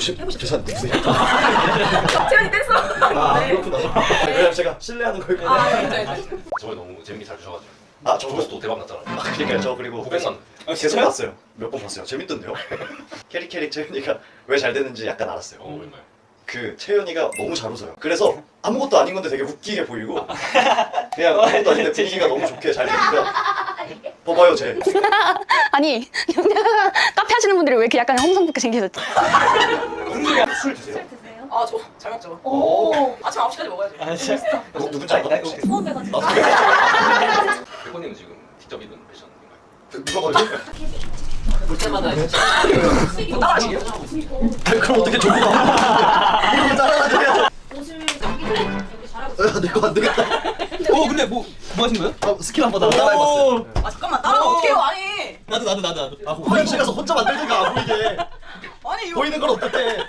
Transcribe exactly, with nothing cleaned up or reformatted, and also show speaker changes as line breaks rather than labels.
저, 죄송한데 무슨
재현이 댄서.
아
네.
그렇구나. 왜냐면 제가 신뢰하는 거였거든요.
아, 알죠, 알죠.
저번에 너무 재밌게 잘 주셔가지고
아 저거
조회수도 대박 났잖아요.
아 그러니까요. 저 그리고
구백만.
아, 계속 봤어요. 몇 번 봤어요. 재밌던데요. 캐릭캐릭 채윤이가 왜 잘 되는지 약간 알았어요.
어 얼마요?
그 채윤이가 너무 잘 웃어요. 그래서 아무것도 아닌 건데 되게 웃기게 보이고 그냥 아무것도 아닌데 분위기가 너무 좋게 잘 되니까 봐봐요 쟤.
아니 카페 하시는 분들이 왜 이렇게 약간 험상궂게 생기셨지?
술 드세요?
아, 저 잘 먹죠.
오.
아침 아홉 시까지 먹어야죠.
아 진짜.
누, 누군지 알아? 혹시?
처음 해가지고.
백호님은 지금 직접 입은 패션인가요?
누가 봐도?
볼 때마다 진짜.
뭐 따라하시게요?
그럼 어떻게 저거 봐? 이거 따라가줘야
옷을 여기 여기 잘하고
내거 안 되겠다.
어 근데 뭐 뭐 하신 거예요?
아, 스킬 한번 다 따라해봤어요.
아, 잠깐만. 따라가
오.
어떻게 해요? 아니.
나도 나도 나도 나도.
아, 화장실 가서 혼자 만들든가 안 보이게.
아니, 이거.
보이는 걸 어떻게?